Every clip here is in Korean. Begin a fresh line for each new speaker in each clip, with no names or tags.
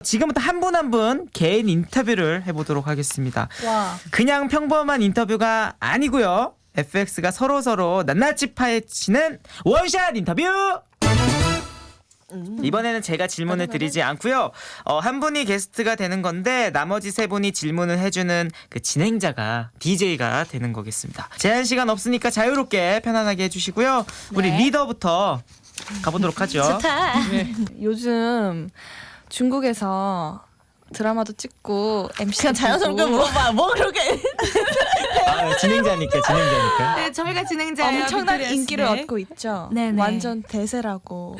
지금부터 한 분 한 분 개인 인터뷰를 해보도록 하겠습니다.
와.
그냥 평범한 인터뷰가 아니고요. FX가 서로 낱낱이 파헤치는 원샷 인터뷰! 이번에는 제가 질문을 드리지 않고요. 한 분이 게스트가 되는 건데 나머지 세 분이 질문을 해주는 그 진행자가 DJ가 되는 거겠습니다. 제한 시간 없으니까 자유롭게 편안하게 해주시고요. 우리
네.
리더부터 가보도록 하죠.
좋다.
요즘 중국에서 드라마도 찍고 MC
그냥 자연스럽게 물어봐. 뭐 그렇게.
아, 진행자니까.
네, 저희가 진행자예요.
엄청난
빅토리아
인기를
씨.
얻고 있죠.
네네.
완전 대세라고.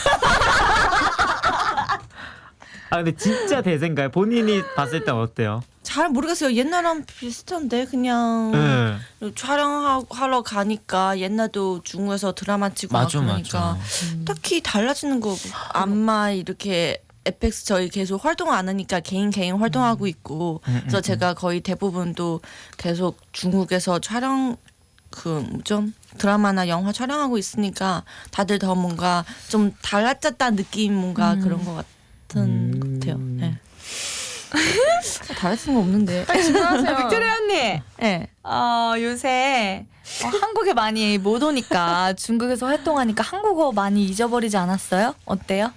아 근데 진짜 대세인가요? 본인이 봤을 땐 어때요?
잘 모르겠어요. 옛날랑 비슷한데 그냥 촬영하러 가니까 옛날도 중국에서 드라마 찍고 막 그러니까 딱히 달라지는 거 안마 이렇게 FX 저희 계속 활동 안 하니까 개인 활동하고 있고 그래서 제가 거의 대부분도 계속 중국에서 촬영 그 좀 드라마나 영화 촬영하고 있으니까 다들 더 뭔가 좀 달라졌다는 느낌 뭔가 그런 것 같은 것 같아요. 네. 달라진 거 없는데.
질문하세요. 빅토리아 언니.
네.
요새 한국에 많이 못 오니까 중국에서 활동하니까 한국어 많이 잊어버리지 않았어요? 어때요?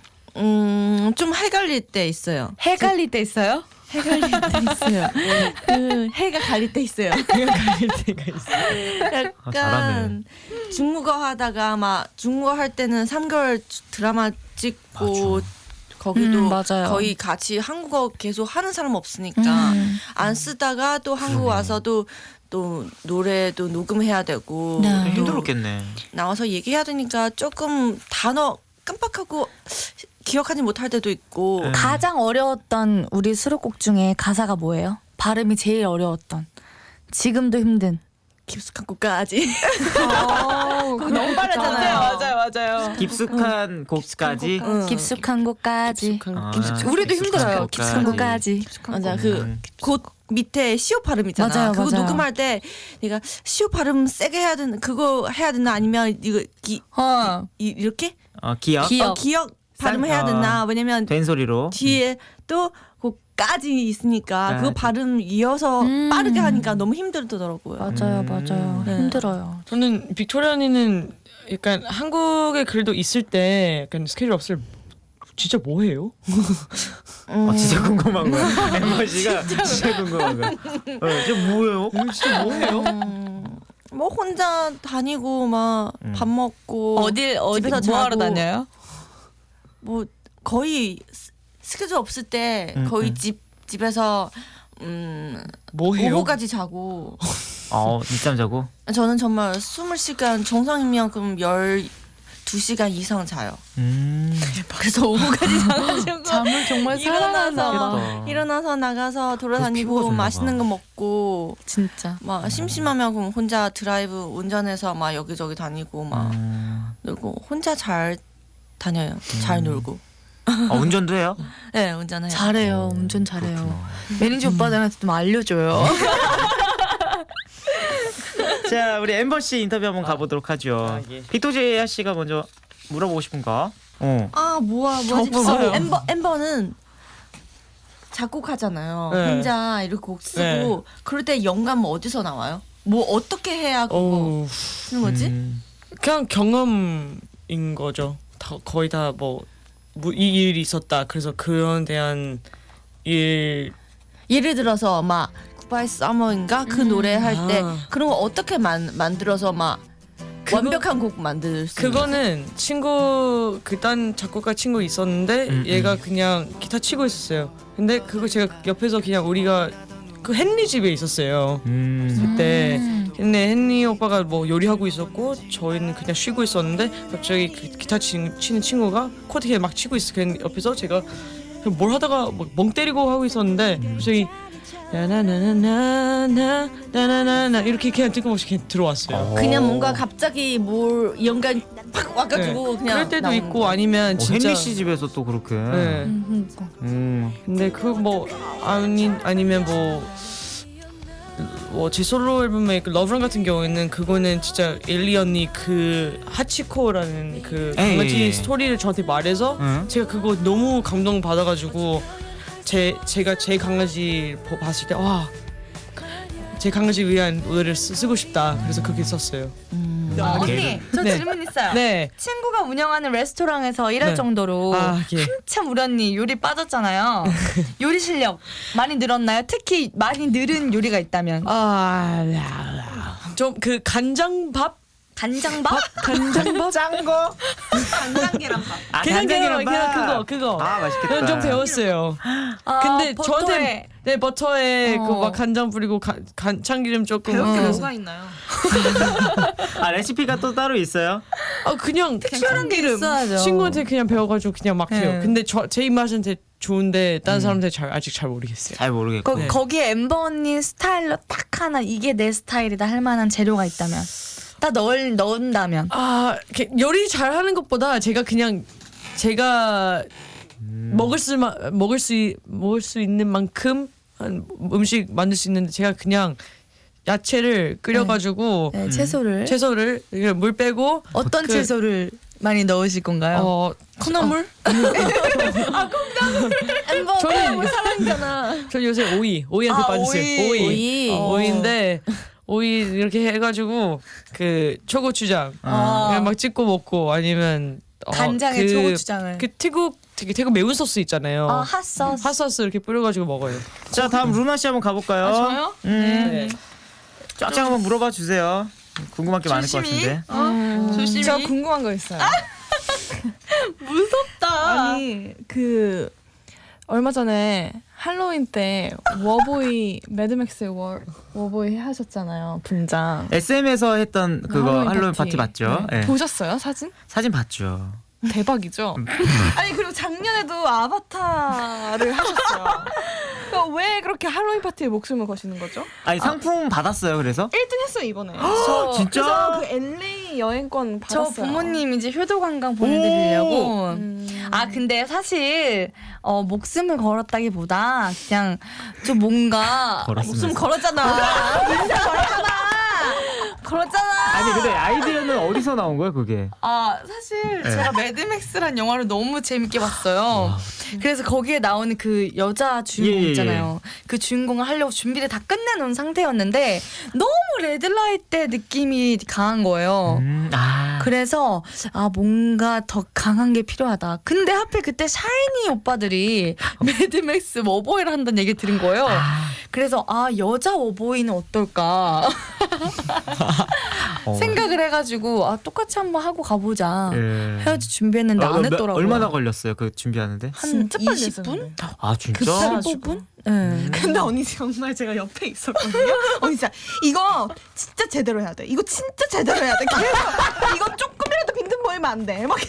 좀 헷갈릴 때 있어요.
헷갈릴 때 있어요?
헷갈릴 때 있어요. 그 해가 갈릴 때 있어요.
해가 갈릴 때가 있어.
약간 중국어 하다가 막 중국어 할 때는 3개월 드라마 찍고
맞아.
거기도
맞아요.
거의 같이 한국어 계속 하는 사람 없으니까 안 쓰다가 또 한국 와서도 또 노래도 녹음해야 되고
네.
또
힘들었겠네.
나와서 얘기해야 되니까 조금 단어 깜빡하고 기억하지 못할 때도 있고
가장 어려웠던 우리 수록곡 중에 가사가 뭐예요? 발음이 제일 어려웠던. 지금도 힘든.
깊숙한 곳까지
그거 너무
빠르잖아요.
맞아요.
깊숙한 곳까지.
깊숙한 곳까지.
아,
우리도 힘들어요. 깊숙한
곳까지.
곳까지.
맞아 그곳 밑에 시오 발음 있잖아.
맞아요,
그거
맞아요.
녹음할 때 내가 시오 발음 세게 해야 되는 그거 해야 되나 아니면 이거 이렇게
기억.
기억 발음 해야 되나 왜냐면
된 소리로.
뒤에 또 그까지 있으니까 그거 발음 이어서 빠르게 하니까 너무 힘들더라고요.
맞아요.
네.
힘들어요.
저는 빅토리아 언니는 약간 한국에 그래도 있을 때 약간 스케줄 없을 진짜 뭐 해요?
진짜 궁금한 거야. 엠마 씨가 진짜 궁금한 거야. 지금 뭐예요?
진짜 뭐 해요?
뭐 혼자 다니고 막 밥 먹고
어디
집에서
뭐 하러
자고.
다녀요?
뭐 거의 스케줄 없을 때 거의 집에서
뭐 해요?
오후까지 자고
늦잠 자고.
저는 정말 20시간 정상이면 그럼 12시간 이상 자요. 그래서 오후까지 자가지고
잠을 정말 사랑하나.
일어나서 나가서 돌아다니고
피부가
맛있는 거 먹고
진짜.
막 심심하면 그럼 혼자 드라이브 운전해서 막 여기저기 다니고 막 놀고 혼자 잘 다녀요. 잘 놀고.
운전도 해요?
네, 운전해요.
잘해요. 운전 잘해요. 매니저 오빠들한테 좀 알려줘요.
자, 우리 엠버 씨 인터뷰 한번 가보도록 하죠. 빅토리아 씨가 먼저 물어보고 싶은 거.
뭐지?
없어요.
엠버는 작곡하잖아요.
네.
혼자 이렇게 곡 쓰고
네.
그럴 때 영감 어디서 나와요? 뭐 어떻게 해야 그거
어우,
쓰는 거지?
그냥 경험인 거죠. 거의 다 뭐 이 일이 있었다. 그래서 그런 대한 일
예를 들어서 막 굿바이 서머인가 그 노래 할 때 그런 거 어떻게 만들어서 막 완벽한 곡 만들 수
그거는 친구 그딴 작곡가 친구 있었는데 얘가 그냥 기타 치고 있었어요. 근데 그거 제가 옆에서 그냥 우리가 그 헨리 집에 있었어요. 그때 근데 헨리 오빠가 뭐 요리하고 있었고 저희는 그냥 쉬고 있었는데 갑자기 그 기타 치는 친구가 코드에 막 치고 있어. 그냥 옆에서 제가 그냥 뭘 하다가 막 멍 때리고 하고 있었는데 갑자기 나나나나나나나나나 이렇게 그냥 뜬금없이 그냥 들어왔어요.
그냥 뭔가 갑자기 뭘 연관 팍 와가지고 그냥
그럴 때도
나오는
있고
거.
아니면 진짜
헨리 씨 집에서 또 그렇게.
네. 근데 그 뭐 아니면 뭐 제 솔로 앨범의 그 러브런 같은 경우에는 그거는 진짜 엘리 언니 그 하치코라는 그 강아지 스토리를 저한테 말해서 제가 그거 너무 감동 받아가지고 제가 제 강아지 봤을 때 와. 제 강아지 위한 노래를 쓰고 싶다. 그래서 그렇게 썼어요.
언니, 저
네.
질문 있어요.
네.
친구가 운영하는 레스토랑에서 일할
네.
정도로
예.
한참 우리 언니 요리 빠졌잖아요. 요리 실력 많이 늘었나요? 특히 많이 늘은 요리가 있다면
좀 그 간장밥?
간장밥?
간장밥?
짠 거?
간장 계란밥.
아,
그냥
간장계란밥.
그거.
아, 맛있겠다.
그건 좀 배웠어요.
아,
근데
버터에.
저한테 네 버터에
어.
그 막 간장 뿌리고 참기름 조금.
배울 게
그래서-
뭐가 있나요?
아, 레시피가 또 따로 있어요?
그냥
특별한 게
참기름.
있어야죠.
친구한테 그냥 배워가지고 그냥 막 해요.
네.
근데 제 입맛한테 좋은데 다른 사람한테 아직 잘 모르겠어요.
잘 모르겠고.
네.
거기에 엠버 언니 스타일로 딱 하나 이게 내 스타일이다 할 만한 재료가 있다면 딱 넣는다면
이렇게 요리 잘하는 것보다 제가 그냥 제가 먹을 수 있는 만큼 한 음식 만들 수 있는데 제가 그냥 야채를 끓여가지고
네, 채소를
채소를 이렇게 물 빼고
어떤
그-
채소를 많이 넣으실 건가요?
콩나물?
엠버
저는
사랑이잖아.
저 요새 오이한테 빠졌어요.
오이.
오이인데 오이 이렇게 해가지고 그 초고추장 그냥 막 찍고 먹고 아니면
간장에 초고추장을.
그 태국 매운 소스 있잖아요.
핫소스.
핫소스 이렇게 뿌려가지고 먹어요.
자, 다음 루나 씨 한번 가볼까요?
저요?
네.
쫙쫙 한번 물어봐 주세요. 궁금한 게 많을 것 같은데.
조심히.
저 궁금한 거 있어요.
무섭다.
아니 그 얼마 전에 할로윈 때 워보이 매드맥스의 워보이 하셨잖아요 분장.
SM에서 했던 그거 할로윈 파티 맞죠?
네.
네.
보셨어요 사진?
사진 봤죠.
대박이죠. 아니 그리고 작년에도 아바타를 하셨어요. 그러니까 왜 그렇게 할로윈 파티에 목숨을 거시는 거죠?
아니 상품 받았어요. 그래서?
1등 했어요 이번에.
진짜?
그래서 그 LA 여행권
저
받았어요.
부모님 이제 효도 관광 보내드리려고.
음.
아 근데 사실 목숨을 걸었다기보다 그냥 좀 뭔가
걸었으면서.
목숨 걸었잖아. 인생 걸었잖아.
아니 근데 아이디어는 어디서 나온 거예요, 그게?
아 사실
네.
제가 매드맥스란 영화를 너무 재밌게 봤어요. 그래서 거기에 나오는 그 여자 주인공
예, 예,
있잖아요. 그 주인공을 하려고 준비를 다 끝내놓은 상태였는데 너무 레드라이트 때 느낌이 강한 거예요. 그래서 뭔가 더 강한 게 필요하다. 근데 하필 그때 샤이니 오빠들이 매드맥스 워보이를 한다는 얘기 들은 거예요. 그래서 여자 워보이는 어떨까 생각을 해가지고 똑같이 한번 하고 가보자 해야지 준비했는데 안 했더라고요.
얼마나 걸렸어요, 그 준비하는데?
한
진짜 빨리
20분?
했었는데.
아 진짜?
15분? 네.
근데 언니 정말 제가 옆에 있었거든요. 언니 진짜 이거 진짜 제대로 해야 돼. 이거 진짜 제대로 해야 돼. 계속 이거 조금이라도 빈틈 보이면 안 돼. 막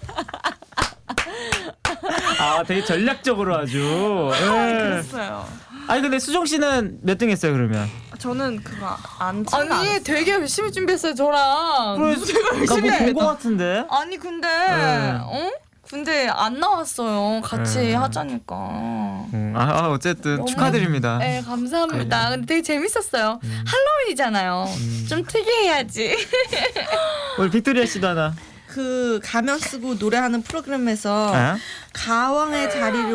아 되게 전략적으로 아주.
그랬어요.
아니 근데 수정 씨는 몇 등 했어요 그러면?
저는 그거 안
아니 되게 열심히 준비했어요 저랑.
나뭐본거 같은데?
아니 근데
네.
근데 안 나왔어요. 같이 하자니까.
어쨌든
너무-
축하드립니다.
네 감사합니다. 근데 되게 재밌었어요. 할로윈이잖아요. 좀 특이해야지.
우리 빅토리아 씨도 하나.
그 가면 쓰고 노래하는 프로그램에서
아?
가왕의 자리를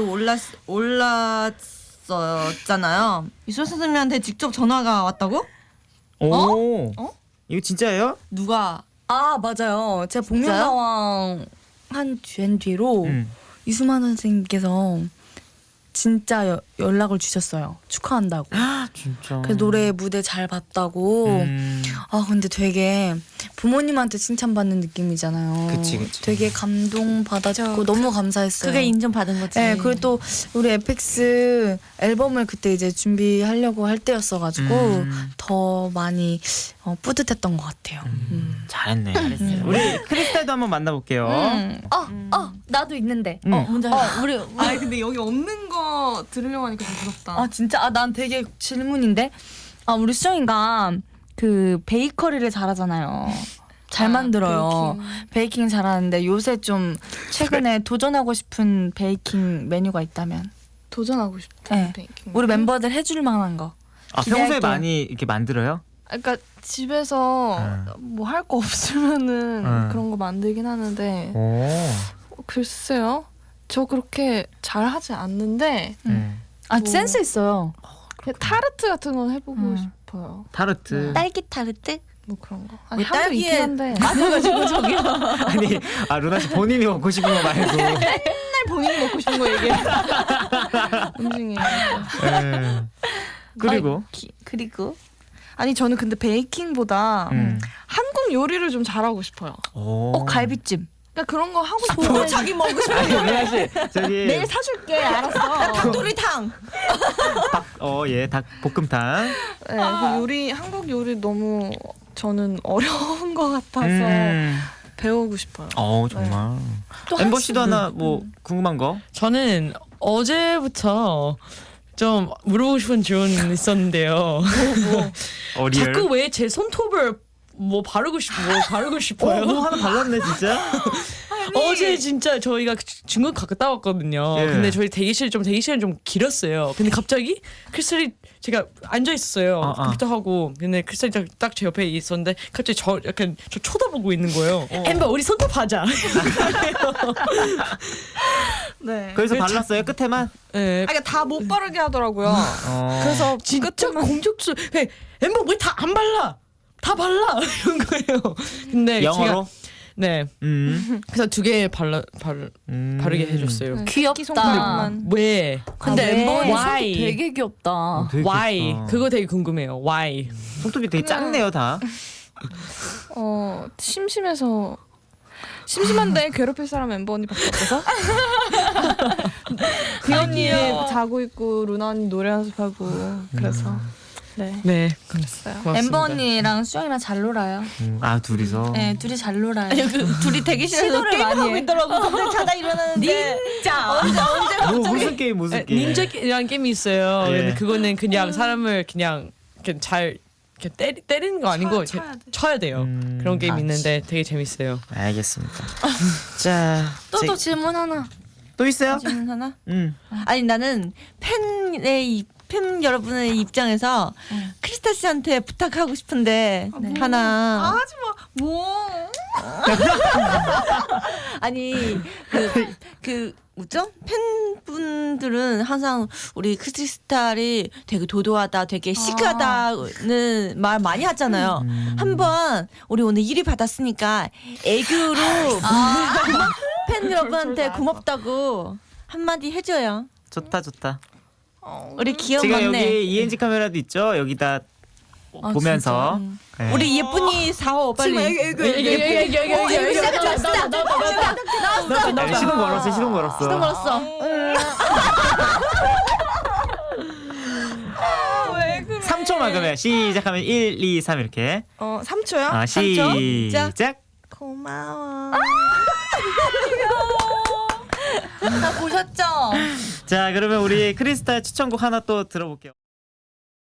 올랐었잖아요. 이소 선생님한테 직접 전화가 왔다고?
오. 이거 진짜예요?
누가?
아 맞아요. 제가 복면가왕 한 뒤로
음.
이수만 선생님께서 진짜 연락을 주셨어요. 축하한다고.
진짜.
그 노래 무대 잘 봤다고. 근데 되게 부모님한테 칭찬받는 느낌이잖아요.
그치.
되게 감동 받았고 너무 감사했어요.
그게 인정받은 거지.
네, 그리고 또 우리 에펙스 앨범을 그때 이제 준비하려고 할 때였어가지고 더 많이 뿌듯했던 것 같아요.
잘했네. 우리 크리스탈도 한번 만나볼게요.
나도 있는데.
먼저 해봐.
우리
아니 근데 여기 없는 거 들으려고 하니까 좀 무섭다.
진짜 난 되게 질문인데. 우리 수정이가 그 베이커리를 잘하잖아요. 잘 만들어요. 베이킹 잘하는데 요새 좀 최근에 도전하고 싶은 베이킹 메뉴가 있다면
도전하고 싶은
네.
베이킹.
우리 멤버들 해줄 만한 거.
평소에
기대할게요.
많이 이렇게 만들어요?
그러니까 집에서 뭐 할 거 없으면은 그런 거 만들긴 하는데
오.
글쎄요. 저 그렇게 잘 하지 않는데
아 센스 있어요.
그냥 타르트 같은 건 해보고 싶어요.
타르트.
딸기 타르트?
뭐 그런 거. 아니
왜
향도 있긴
딸기에
한데
맞아가지고 저기요.
아니, 루나 씨 본인이 먹고 싶은 거 말고.
맨날 본인이 먹고 싶은 거 얘기해. 음식이에요.
예. 그리고
그리고
아니 저는 근데 베이킹보다 한국 요리를 좀 잘하고 싶어요.
오.
갈비찜.
그러니까 그런 거 하고
또
싶은데
자기 먹고 싶어.
아니, 루나 씨 저기
내일 사줄게. 알았어.
닭도리탕.
닭 볶음탕.
네, 그 요리 한국 요리 너무 저는 어려운 것 같아서 배우고 싶어요.
정말.
또
엠버
한-
씨도 하나 뭐 궁금한 거?
저는 어제부터 좀 물어보고 싶은 질문이 있었는데요.
리얼?
자꾸 왜 제 손톱을 바르고 싶어요?
뭐 하나 발랐네 진짜.
어제 진짜 저희가 중국 갔다 왔거든요.
예.
근데 저희 대기실은 좀 길었어요. 근데 갑자기 크리스탈이 제가 앉아 있었어요. 컴퓨터 하고 근데 크리스탈이 딱 제 옆에 있었는데 갑자기 저 쳐다보고 있는 거예요. 엠버 우리 손톱 하자.
네.
그래서 발랐어요 끝에만.
네.
그러니까 다 못 바르게 하더라고요. 그래서
진짜
끝에만
공격수. 엠버 왜 다 안 발라? 다 발라 이런 거예요. 근데
영어로.
네. 그래서 2개 바르게 해줬어요.
귀엽다.
손톱만.
왜?
근데 엠버 언니 손톱
Why?
되게 귀엽다.
되게
Why?
귀엽다.
그거 되게 궁금해요. Why?
손톱이 되게 작네요 다.
심심한데 괴롭힐 사람 멤버 언니밖에 없어서 비 언니 자고 있고 루나 언니 노래 연습하고 그래서 네
네.
그랬어요.
고맙습니다.
엠버 언니랑 수영이랑 잘 놀아요.
둘이서.
네, 둘이 잘 놀아요.
둘이 대기실에서
시도를
게임을
많이
하고
해.
있더라고. 근데 자다 일어나는데
진짜.
무슨 게임 무슨 게임?
닌자라는 게임이 있어요.
예.
근데 그거는 그냥 사람을 그냥 잘 이렇게 때리는 거 아니고 쳐야 돼요. 그런 게임 있는데 되게 재밌어요.
알겠습니다. 자,
또 질문 하나.
또 있어요?
질문 하나?
음.
아니 나는 팬 여러분의 입장에서 크리스탈 씨한테 부탁하고 싶은데 하나.
하지마 뭐
아니 그 뭐죠? 팬분들은 항상 우리 크리스탈이 되게 도도하다, 되게 시크하다는 말 많이 하잖아요. 한번 우리 오늘 1위 받았으니까 애교로 팬 여러분한테 고맙다고 한마디 해줘요.
좋다.
우리 귀여운
지금
막내.
여기 ENG 카메라도 있죠. 여기다 보면서. 네.
우리 예쁜이 4호 빨리.
시동 걸었어.
시동 걸었어.
3초만 그러면 시작하면 1, 2, 3 이렇게.
3초요?
시작.
고마워.
다 보셨죠?
자, 그러면 우리 크리스탈 추천곡 하나 또 들어볼게요.